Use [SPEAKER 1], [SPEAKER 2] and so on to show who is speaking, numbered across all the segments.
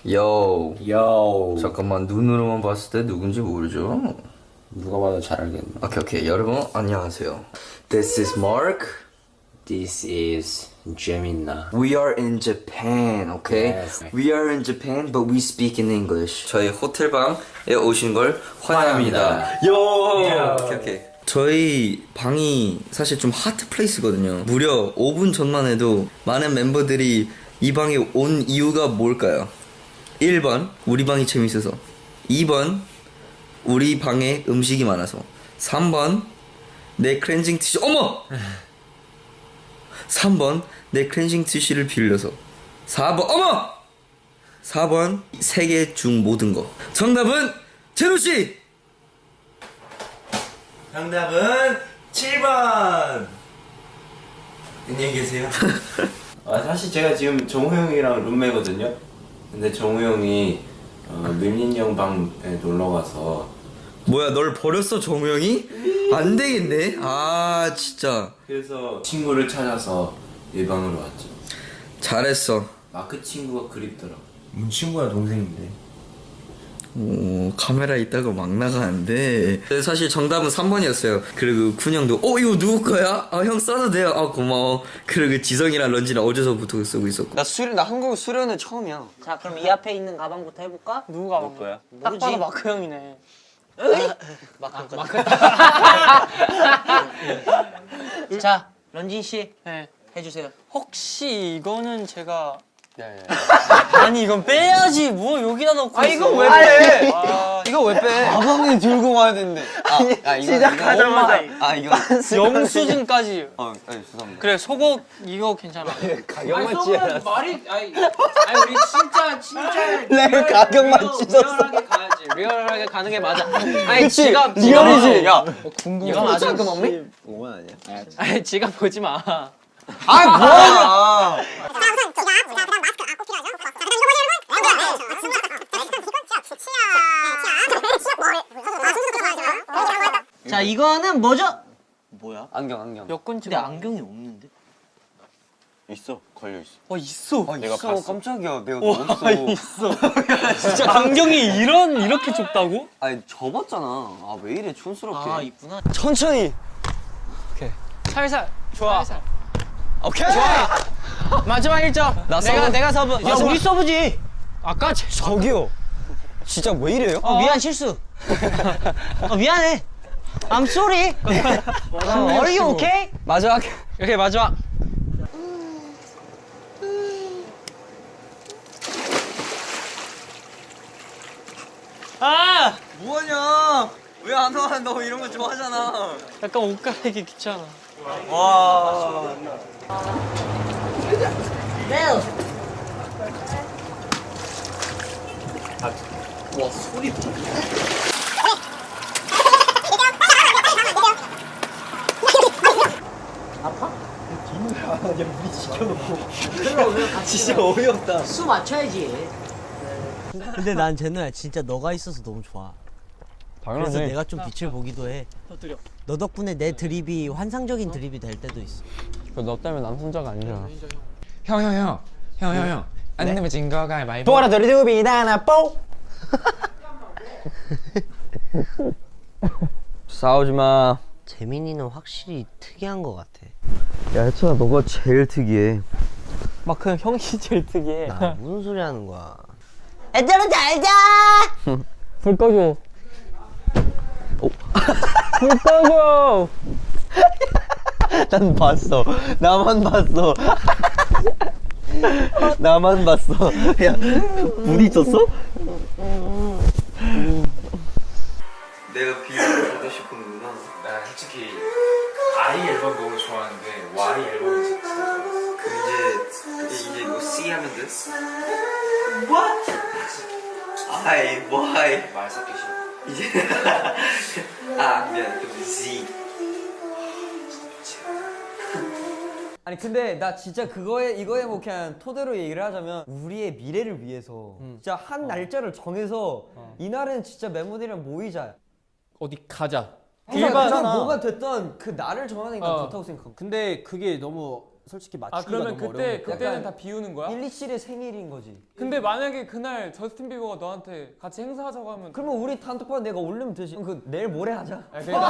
[SPEAKER 1] 요.
[SPEAKER 2] 요.
[SPEAKER 1] 잠깐만, 눈으로만 봤을 때 누군지 모르죠?
[SPEAKER 2] 누가 봐도 잘 알겠네.
[SPEAKER 1] 오케이. 여러분, 안녕하세요. This is Mark.
[SPEAKER 2] This is Gemina.
[SPEAKER 1] We are in Japan, okay?
[SPEAKER 2] Yes.
[SPEAKER 1] We are in Japan, but we speak in English. 저희 호텔방에 오신 걸 환영합니다. 요! 오케이. 저희 방이 사실 좀 하트 플레이스거든요. 무려 5분 전만 해도 많은 멤버들이 이 방에 온 이유가 뭘까요? 1번, 우리 방이 재밌어서. 2번, 우리 방에 음식이 많아서. 3번, 내 클렌징 티슈, 어머! 3번, 내 클렌징 티슈를 빌려서. 4번, 어머! 4번, 세 개 중 모든 거. 정답은 제로씨!
[SPEAKER 3] 정답은 7번! 안녕히 계세요. 사실 제가 지금 정우 형이랑 룸메거든요. 근데 정우 형이 밀린 형 방에 놀러 가서.
[SPEAKER 1] 뭐야, 널 버렸어, 정우영이? 안 되겠네. 아, 진짜.
[SPEAKER 3] 그래서 친구를 찾아서 이 방으로 왔죠.
[SPEAKER 1] 잘했어.
[SPEAKER 3] 마크 친구가 그립더라고.
[SPEAKER 2] 친구야 동생인데.
[SPEAKER 1] 오, 카메라 있다가 막 나가는데. 사실 정답은 3번이었어요. 그리고 군형도 이거 누구 거야? 형 써도 돼요. 고마워. 그리고 지성이랑 런지는 어제서부터 쓰고 있었고.
[SPEAKER 4] 나 한국 수련회 처음이야.
[SPEAKER 5] 자, 그럼 이 앞에 있는 가방부터 해볼까?
[SPEAKER 4] 누구 가방 거야?
[SPEAKER 5] 딱 봐도
[SPEAKER 4] 마크 형이네.
[SPEAKER 5] 자, 런진 씨
[SPEAKER 4] 네.
[SPEAKER 5] 해주세요.
[SPEAKER 4] 혹시 이거는 제가 아니 이건 빼야지. 뭐 여기다 넣고 있어.
[SPEAKER 5] 이거 왜 빼?
[SPEAKER 4] 이거 왜 빼? 가방에 들고 와야 되는데.
[SPEAKER 5] 시작하자마자
[SPEAKER 4] 이거 영수증까지. 죄송합니다. 그래 속옷 이거 괜찮아.
[SPEAKER 5] 가격만 찢어. 말이 아니 우리 진짜
[SPEAKER 4] 내가 가격만 찢었어.
[SPEAKER 5] 리얼하게 가야지. 리얼하게 가는 게 맞아. 아니
[SPEAKER 4] 그치?
[SPEAKER 5] 지갑
[SPEAKER 4] 리얼이지. 야
[SPEAKER 5] 궁금해. 이거 맞아? 그 뭡니?
[SPEAKER 4] 5만 아니야?
[SPEAKER 5] 아니 지갑 보지 마.
[SPEAKER 4] 뭐야?
[SPEAKER 5] 자, 이거는 뭐죠?
[SPEAKER 4] 뭐야? 안경.
[SPEAKER 5] 여권 근데 안경이 없는데?
[SPEAKER 6] 있어, 걸려 있어.
[SPEAKER 4] 있어.
[SPEAKER 6] 내가
[SPEAKER 4] 있어.
[SPEAKER 6] 봤어.
[SPEAKER 4] 깜짝이야. 내가 없어. 있어. 진짜 안경이 이렇게 좁다고? 아니 접었잖아. 왜 이래 촌스럽게.
[SPEAKER 5] 있구나.
[SPEAKER 4] 천천히.
[SPEAKER 5] 살살.
[SPEAKER 4] 좋아.
[SPEAKER 5] 살살.
[SPEAKER 4] 오케이. 좋아.
[SPEAKER 5] 마지막 1점. 내가 서브. 야, 우리 서브지. 아까
[SPEAKER 4] 저기요. 진짜 왜 이래요?
[SPEAKER 5] 미안 실수. 미안해. I'm sorry. Are you okay?
[SPEAKER 4] 마지막.
[SPEAKER 5] 오케이 마지막.
[SPEAKER 4] 뭐하냐? 왜 안 와? 너 이런 거 좋아하잖아.
[SPEAKER 5] 약간 옷 갈아입기 귀찮아.
[SPEAKER 4] 와. 진짜 어이없다.
[SPEAKER 5] 수 맞춰야지.
[SPEAKER 7] 근데 난 제노야 진짜 너가 있어서 너무 좋아. 그래서 내가 좀 빛을 보기도 해.
[SPEAKER 5] 터뜨려.
[SPEAKER 7] 너 덕분에 내 드립이 환상적인 드립이 될 때도 있어.
[SPEAKER 4] 너 때문에 남순자가 아니잖아.
[SPEAKER 8] 형. 안 되면 진 거가 가위바위보.
[SPEAKER 7] 보라돌이두비다 나 뽀.
[SPEAKER 4] 싸우지 마.
[SPEAKER 7] 재민이는 확실히 특이한 것 같아.
[SPEAKER 1] 야, 혜천아, 너가 제일 특이해.
[SPEAKER 4] 마크 형이 제일 특이해.
[SPEAKER 7] 나 무슨 소리 하는 거야? 애들은 잘 자.
[SPEAKER 4] 불 꺼줘. 불 꺼줘.
[SPEAKER 1] 난 봤어. 나만 봤어. 나만 봤어. 야, 불 있었어? 내가 비유를 보고 싶은구나.
[SPEAKER 8] 나 솔직히 아이 앨범 너무 좋아하는데 Y 앨범이 진짜 좋았어.
[SPEAKER 1] 이제 뭐 C 하면 돼? What? I, why?
[SPEAKER 8] 말 섞기 싫어.
[SPEAKER 1] 이제 미안. 그럼 Z.
[SPEAKER 4] 아니 근데 나 진짜 이거에 뭐 그냥 토대로 얘기를 하자면 우리의 미래를 위해서 진짜 한 날짜를 정해서 이날은 진짜 멤버들이랑 모이자.
[SPEAKER 9] 어디 가자.
[SPEAKER 4] 일반 뭐가 됐던 그 날을 정하는 게 난 좋다고 생각하고.
[SPEAKER 9] 근데 그게 너무
[SPEAKER 4] 솔직히 맞추기가
[SPEAKER 5] 그러면
[SPEAKER 4] 너무
[SPEAKER 5] 그때
[SPEAKER 4] 어려우니까.
[SPEAKER 5] 그때는
[SPEAKER 4] 약간
[SPEAKER 5] 다 비우는 거야?
[SPEAKER 4] 127의 생일인 거지.
[SPEAKER 5] 근데 만약에 그날 저스틴 비버가 너한테 같이 행사하자고 하면
[SPEAKER 4] 그러면 우리 단톡방 내가 올리면 되지. 그럼 그 내일 모레 하자.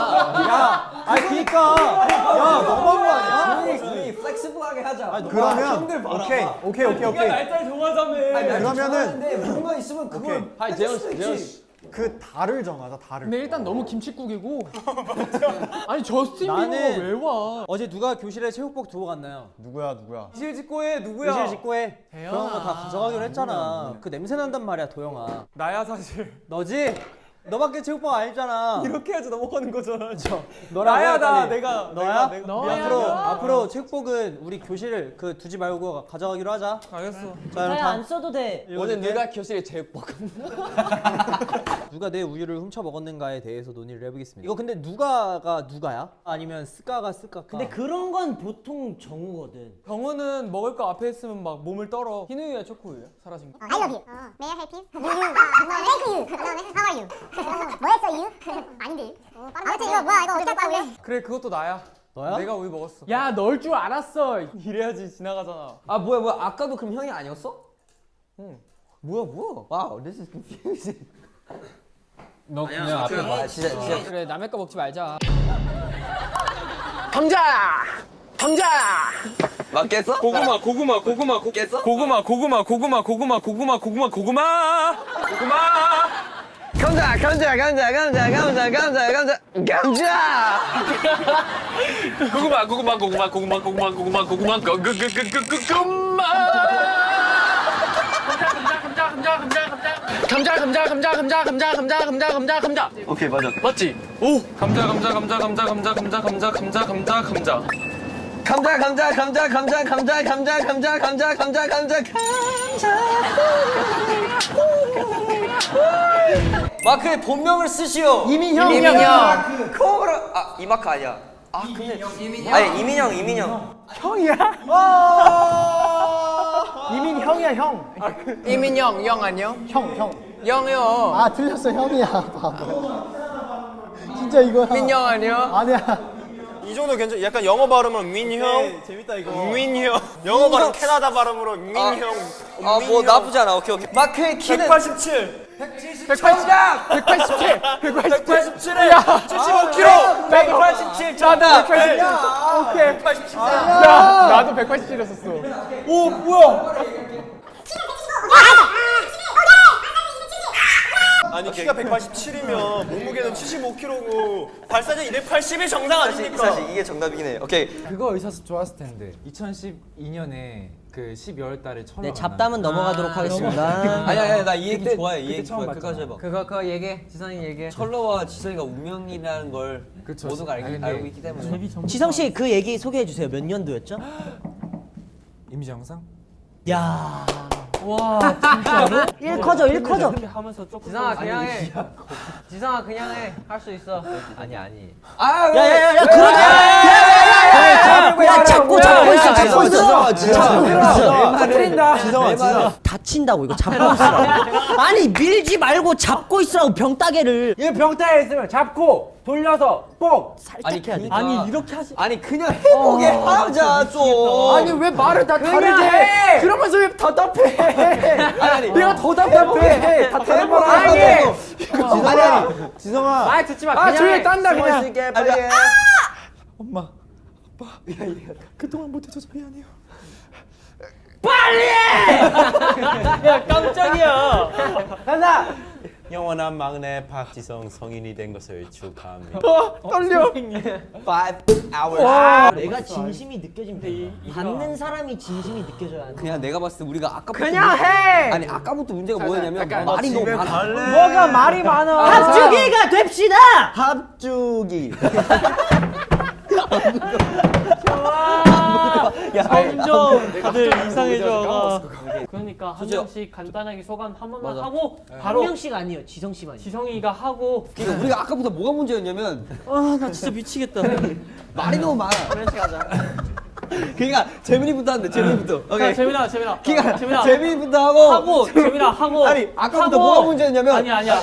[SPEAKER 7] 그니까 야 너무한 거 아니야?
[SPEAKER 4] 우리 플렉시블하게 하자.
[SPEAKER 7] 그러면
[SPEAKER 4] 형들 봐라.
[SPEAKER 7] 오케이
[SPEAKER 5] 네가 날짜를 정하자며.
[SPEAKER 7] 그러면은
[SPEAKER 4] 뭔가 있으면 그걸
[SPEAKER 5] 아니 재현 씨.
[SPEAKER 7] 그 달을 정하자 달을.
[SPEAKER 5] 근데 일단 너무 김칫국이고. 아니 저스틴 비버가
[SPEAKER 7] 나는-
[SPEAKER 5] 왜 와?
[SPEAKER 7] 어제 누가 교실에 체육복 두고 갔나요? 누구야?
[SPEAKER 5] 이실 직고 해 누구야?
[SPEAKER 7] 교실 직구해.
[SPEAKER 5] 대현아.
[SPEAKER 7] 그런 거 다 가져가기로 했잖아. 그 냄새 난단 말이야 도영아.
[SPEAKER 5] 나야 사실.
[SPEAKER 7] 너지? 너밖에 체육복 아니잖아.
[SPEAKER 5] 이렇게 해야지 넘어가는 거잖아.
[SPEAKER 7] 너라고
[SPEAKER 5] 나야
[SPEAKER 7] 해,
[SPEAKER 5] 나
[SPEAKER 7] 빨리.
[SPEAKER 5] 내가
[SPEAKER 7] 너야?
[SPEAKER 5] 너야.
[SPEAKER 7] 앞으로 체육복은 우리 교실 그 두지 말고 가져가기로 하자.
[SPEAKER 5] 알겠어.
[SPEAKER 7] 자 그럼
[SPEAKER 9] 안 써도 돼.
[SPEAKER 5] 오늘 누가 교실에 제일 뻑
[SPEAKER 7] 누가 내 우유를 훔쳐 먹었는가에 대해서 논의를 해보겠습니다. 이거 근데 누가가 누가야? 아니면 스카가 스카가?
[SPEAKER 9] 근데 그런 건 보통 정우거든.
[SPEAKER 5] 병우는 먹을 거 앞에 있으면 막 몸을 떨어. 흰우유야 초코우유야? 사라진 거.
[SPEAKER 10] I love you. May I help you? Thank you. How are you? 뭐 했어, you? 아닌데. 아무튼 이거 뭐야? 이거 어떻게 할 거야, 우리?
[SPEAKER 5] 그래 그것도 나야.
[SPEAKER 7] 너야?
[SPEAKER 5] 내가 우유 먹었어. 야 넣을 줄 알았어. 이래야지 지나가잖아.
[SPEAKER 4] 아 뭐야 아까도 그럼 형이 아니었어? 응. 뭐야. 와우, this is confusing.
[SPEAKER 5] 너 그냥 앞에 봐.
[SPEAKER 4] 진짜.
[SPEAKER 5] 그래 남의 거 먹지 말자.
[SPEAKER 1] 맞겠어?
[SPEAKER 8] 고구마
[SPEAKER 1] 깼어? 감자.
[SPEAKER 8] 감자.
[SPEAKER 1] 오케이 맞아.
[SPEAKER 8] 맞지? 오 감자.
[SPEAKER 4] 마크의 본명을 쓰시오.
[SPEAKER 7] 이민형.
[SPEAKER 4] 코브라. 이마크 아니야. 근데 이민형.
[SPEAKER 7] 이민형이야 형.
[SPEAKER 5] 이민영 영 아니요?
[SPEAKER 7] 형.
[SPEAKER 5] 영이요.
[SPEAKER 7] 아 틀렸어 형이야. 바보. 진짜 이거야.
[SPEAKER 5] 민영 아니요?
[SPEAKER 7] 아니야.
[SPEAKER 6] 이 정도 괜찮. 약간 영어 발음으로 민형.
[SPEAKER 7] 재밌다 이거.
[SPEAKER 6] 민형. 영어 발음 캐나다 발음으로 민형.
[SPEAKER 1] 뭐 나쁘지 않아. 오케이.
[SPEAKER 4] 마크의 키는
[SPEAKER 6] 187.
[SPEAKER 5] 187. 야 75kg. 187. 자다. 187. 오케이. 187. 야 나도 187이었었어.
[SPEAKER 7] 오 뭐야?
[SPEAKER 6] 아니 키가 187이면 몸무게는 75kg고 발사는 280이 정상 아닙니까?
[SPEAKER 1] 사실 이게 정답이긴 해. 오케이.
[SPEAKER 11] 그거 의사수 좋았을 텐데 2012년에 그 12월 달에 처음
[SPEAKER 9] 네, 잡담은 넘어가도록 하겠습니다.
[SPEAKER 4] 아니야 나 이 얘기 좋아해. 이
[SPEAKER 11] 그때
[SPEAKER 4] 얘기
[SPEAKER 11] 처음
[SPEAKER 4] 좋아해. 끝까지 해봐.
[SPEAKER 5] 그거 얘기해. 지성이 얘기해.
[SPEAKER 4] 철러와 지성이가 운명이라는 걸 모두가 알고 있기 때문에.
[SPEAKER 9] 지성 씨 그 얘기 소개해 주세요. 몇 년도였죠?
[SPEAKER 11] 이미지 영상?
[SPEAKER 9] 야. 와 진짜로? 1커져 1커져.
[SPEAKER 5] 하면서 조금. 지성아 그냥 해. 지성아 그냥 해. 할 수 있어.
[SPEAKER 4] 아니.
[SPEAKER 9] 야야야 그러지. 야 잡고 있어.
[SPEAKER 7] 지성아.
[SPEAKER 9] 다친다고 이거 잡고 있으라고. 아니 밀지 말고 잡고 있으라고 병따개를.
[SPEAKER 5] 얘 병따에 있으면 잡고 돌려서 뽕.
[SPEAKER 9] 살짝 해야 돼.
[SPEAKER 5] 아니 이렇게 하지.
[SPEAKER 4] 아니 그냥 해보게 하자 좀.
[SPEAKER 5] 아니 왜 말을 다 다르게 해? 그러면서 왜 답답해? 아니 내가 더 답답해. 다 다른 말 하고.
[SPEAKER 7] 아니 지성아.
[SPEAKER 5] 말 듣지 마. 아 조용히 딴다 그냥.
[SPEAKER 4] 있을게 빨리 해.
[SPEAKER 11] 그동안 못해줘서 미안해요.
[SPEAKER 5] 야 깜짝이야. 간다.
[SPEAKER 2] 영원한 막내 박지성 성인이 된 것을 축하합니다.
[SPEAKER 5] 떨려.
[SPEAKER 4] 5 hours.
[SPEAKER 9] 내가 진심이 느껴지면 돼. 받는 사람이 진심이 느껴져야 돼.
[SPEAKER 4] 그냥 내가 봤을 때 우리가 아까부터
[SPEAKER 5] 그냥 해.
[SPEAKER 4] 아니 아까부터 문제가 뭐였냐면 말이 너무 많아.
[SPEAKER 5] 뭐가 말이 많아.
[SPEAKER 9] 합주기가 됩시다.
[SPEAKER 4] 합주기.
[SPEAKER 5] 점점 다들 이상해져. 그러니까 한 명씩 간단하게 소감 한 번만 하고
[SPEAKER 9] 한
[SPEAKER 5] 바로
[SPEAKER 9] 명씩 아니에요. 지성 씨만.
[SPEAKER 5] 지성이가 하고.
[SPEAKER 4] 그러니까 우리가 아까부터 뭐가 문제였냐면
[SPEAKER 9] 나 진짜 미치겠다.
[SPEAKER 4] 말이 너무 많아.
[SPEAKER 9] 그런 식 하자.
[SPEAKER 4] 그러니까 재민이부터 한대. 재민이부터. 오케이.
[SPEAKER 5] 재민아.
[SPEAKER 4] 그러니까 재민이부터 하고.
[SPEAKER 5] 재민아 하고.
[SPEAKER 4] 아니 아까부터 뭐가 문제였냐면.
[SPEAKER 5] 아니야.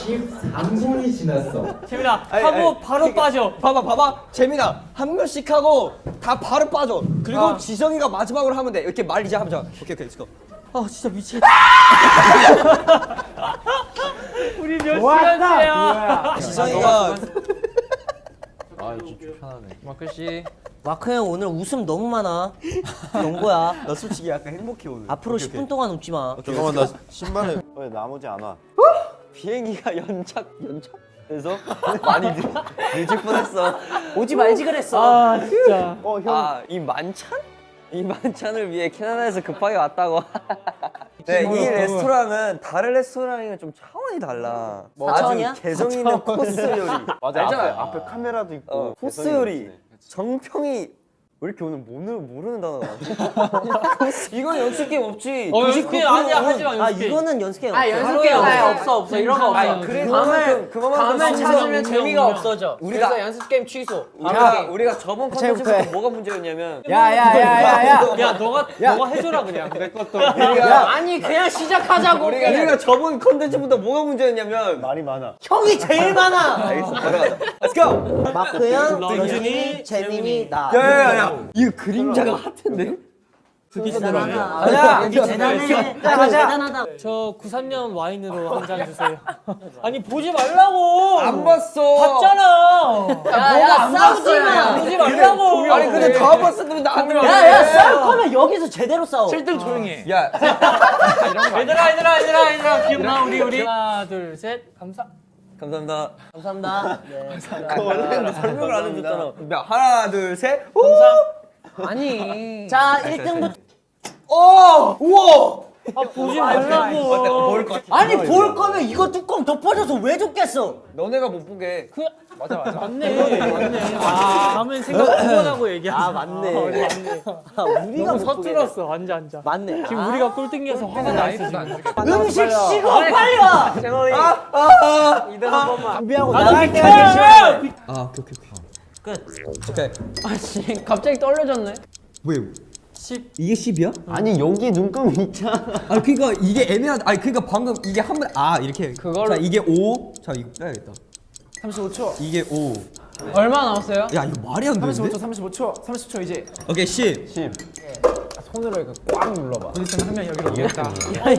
[SPEAKER 5] 재민아 하고 바로 빠져.
[SPEAKER 4] 봐봐. 재민아 한 명씩 하고 다 바로 빠져. 그리고 지성이가 마지막으로 하면 돼. 이렇게 말 이제 하자. 오케이, 렛츠고. 아 진짜 미치겠다.
[SPEAKER 5] 우리 몇 시간째야?
[SPEAKER 4] 지성이가
[SPEAKER 11] 마크 씨.
[SPEAKER 9] 마크 형 오늘 웃음 너무 많아. 연거야.
[SPEAKER 4] 나 솔직히 약간 행복해 오늘.
[SPEAKER 9] 앞으로 10분 동안 웃지 마.
[SPEAKER 3] 잠깐만 나 신발에 왜 나머지 안 와?
[SPEAKER 4] 비행기가 연착돼서 많이 늦을 뻔했어.
[SPEAKER 9] 오지 말지 그랬어.
[SPEAKER 5] 아 진짜.
[SPEAKER 4] 이 만찬? 이 만찬을 위해 캐나다에서 급하게 왔다고. 네, 이 레스토랑은 다른 레스토랑이랑 좀 차원이 달라.
[SPEAKER 9] 차원이야?
[SPEAKER 4] 아주 개성 있는 코스 요리.
[SPEAKER 3] 맞아. 알잖아요. 앞에 카메라도 있고.
[SPEAKER 4] 코스 요리. 정평이 왜 이렇게 오늘 모르는 단어가 많지? 이건 연습 게임 없지.
[SPEAKER 5] 연습 게임 아니야. 하지마
[SPEAKER 9] 아
[SPEAKER 5] 연습 게임.
[SPEAKER 9] 이거는 연습 게임 없어.
[SPEAKER 5] 연습 게임 없어. 이런 거 없어.
[SPEAKER 4] 그만큼
[SPEAKER 5] 찾으면 재미가 없어져.
[SPEAKER 4] 우리가
[SPEAKER 5] 연습 게임 취소.
[SPEAKER 4] 우리가 저번 컨텐츠부터 뭐가 문제였냐면
[SPEAKER 5] 야 너가 해줘라 그냥 내 것도.
[SPEAKER 9] 아니 그냥 시작하자고.
[SPEAKER 4] 우리가 저번 컨텐츠부터 뭐가 문제였냐면
[SPEAKER 3] 말이 많아.
[SPEAKER 9] 형이 제일 많아.
[SPEAKER 4] 알겠어, 걸어가자. Let's go.
[SPEAKER 9] 마크 형,
[SPEAKER 5] 런쥔이,
[SPEAKER 9] 재민이, 나.
[SPEAKER 4] 야야야, 이거 그림자가 핫한데?
[SPEAKER 9] 대단하다. 대단해. 대단하다.
[SPEAKER 5] 저 93년 와인으로 한 잔 주세요. 아니 보지 말라고.
[SPEAKER 4] 안 봤어.
[SPEAKER 5] 봤잖아.
[SPEAKER 9] 야 싸우지 마.
[SPEAKER 5] 보지 말라고.
[SPEAKER 4] 아니 근데 다 봤었는데 나한테.
[SPEAKER 9] 야야 싸울 거면 여기서 제대로 싸워.
[SPEAKER 5] 7등 조용히 해.
[SPEAKER 4] 야,
[SPEAKER 5] 얘들아 기억나 우리 하나 둘 셋
[SPEAKER 4] 감사합니다.
[SPEAKER 9] 감사합니다. 네.
[SPEAKER 4] 원래 설명을 안 해줬잖아. 야, 하나, 둘, 셋.
[SPEAKER 5] 아니.
[SPEAKER 9] 자 1등부터.
[SPEAKER 4] 우와.
[SPEAKER 5] 아 보지 말라고.
[SPEAKER 4] 먹을 것 같아.
[SPEAKER 9] 아니 볼 거면 이거 뚜껑 덮어줘서 왜 줬겠어?
[SPEAKER 4] 너네가 못 보게.
[SPEAKER 5] 맞네. 다음엔 생각 한번 하고 얘기하자.
[SPEAKER 9] 아 맞네.
[SPEAKER 5] 우리가 너무 서툴었어. 앉아.
[SPEAKER 9] 맞네.
[SPEAKER 5] 지금 우리가 꼴등이어서 화가 나 있어 지금.
[SPEAKER 9] 음식 식어 빨리 와.
[SPEAKER 5] 재원이.
[SPEAKER 4] 이등 한 번만.
[SPEAKER 9] 준비하고
[SPEAKER 5] 나도
[SPEAKER 9] 나갈게.
[SPEAKER 4] 아, 오케이.
[SPEAKER 9] 끝.
[SPEAKER 4] 오케이.
[SPEAKER 5] 아씨 갑자기 떨려졌네.
[SPEAKER 4] 왜?
[SPEAKER 5] 10.
[SPEAKER 4] 이게 10이야?
[SPEAKER 3] 아니 여기 눈금이 있잖아.
[SPEAKER 4] 아니 그러니까 이게 애매하다. 아니 그러니까 방금 이게 한 번 이렇게.
[SPEAKER 5] 그걸로-
[SPEAKER 4] 자 이게 5. 자 이거 빼야겠다.
[SPEAKER 5] 35초.
[SPEAKER 4] 이게 5.
[SPEAKER 5] 얼마 남았어요?
[SPEAKER 4] 야 이거 말이 안 되는데?
[SPEAKER 11] 30초 이제.
[SPEAKER 4] 오케이 10.
[SPEAKER 11] 손으로 이거 꽉 눌러봐.
[SPEAKER 5] 어디서 한명 여기로 오겠다.
[SPEAKER 4] 아니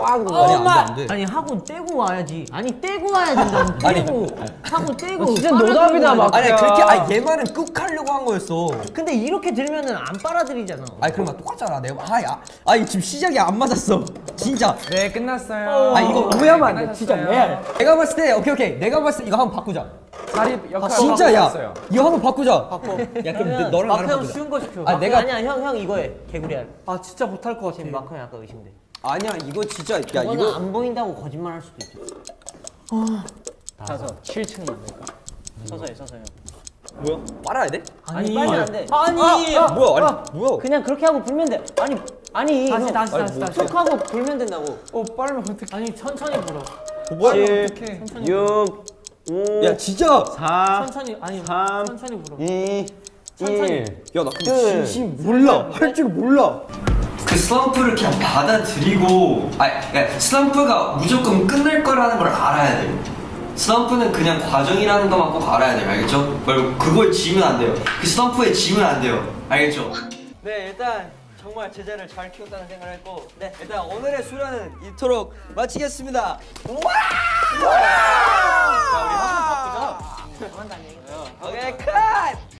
[SPEAKER 4] 안 돼.
[SPEAKER 9] 아니 하고 떼고 와야지. 아니 떼고 와야 된다고. 떼고 하고 떼고.
[SPEAKER 5] 진짜 노답이다 막.
[SPEAKER 4] 아니 그렇게 얘 말은 꾹 하려고 한 거였어.
[SPEAKER 9] 근데 이렇게 들면은 안 빨아들이잖아.
[SPEAKER 4] 아니 그럼 똑같잖아. 내가 아니 지금 시작이 안 맞았어. 진짜.
[SPEAKER 11] 네 끝났어요.
[SPEAKER 4] 아 이거 오해하면 안 돼. 진짜 레알. 내가 봤을 때 오케이. 내가 봤을 때 이거 한번 바꾸자.
[SPEAKER 11] 자리 역할
[SPEAKER 4] 진짜 야.
[SPEAKER 11] 바꿨어요.
[SPEAKER 4] 이거 한번 바꾸자. 야 그럼 너랑 나랑
[SPEAKER 9] 마크 형
[SPEAKER 4] 바꾸자.
[SPEAKER 9] 쉬운 거 시켜.
[SPEAKER 4] 아,
[SPEAKER 9] 마크
[SPEAKER 4] 내가-
[SPEAKER 9] 아니야 형 이거 해. 개구리알.
[SPEAKER 5] 아 진짜 못할 것 같아.
[SPEAKER 9] 지금 마크 형 약간 의심돼.
[SPEAKER 4] 아니야 이거 진짜 야
[SPEAKER 9] 이거는
[SPEAKER 4] 이거
[SPEAKER 9] 안 보인다고 거짓말 할 수도 있어.
[SPEAKER 5] 가서 7층 만들까?
[SPEAKER 9] 서서히.
[SPEAKER 4] 뭐야? 빨아야 돼?
[SPEAKER 9] 아니 빨면 안 돼.
[SPEAKER 4] 뭐야?
[SPEAKER 9] 그냥 그렇게 하고 불면 돼. 아니
[SPEAKER 5] 다시.
[SPEAKER 9] 쏙 하고 불면 된다고.
[SPEAKER 5] 빨면 어떡해? 아니 천천히 불어.
[SPEAKER 4] 뭐야?
[SPEAKER 3] 6, 5,
[SPEAKER 4] 야 진짜.
[SPEAKER 3] 4,
[SPEAKER 5] 천천히 아니
[SPEAKER 3] 3,
[SPEAKER 5] 천천히 불어.
[SPEAKER 3] 2,
[SPEAKER 5] 천천히.
[SPEAKER 3] 1.
[SPEAKER 4] 야 나 근데 진심 몰라. 할 줄 몰라. 그 슬럼프를 그냥 받아들이고 그러니까 슬럼프가 무조건 끝날 거라는 걸 알아야 돼요. 슬럼프는 그냥 과정이라는 것만 꼭 알아야 돼요. 알겠죠? 말고 그걸 지면 안 돼요. 그 슬럼프에 지면 안 돼요. 알겠죠? 네 일단 정말 제자를 잘 키웠다는 생각을 했고 네 일단 오늘의 수련은 이토록 마치겠습니다. 와! 자 우리 한번 바꾸자. 오케이 컷!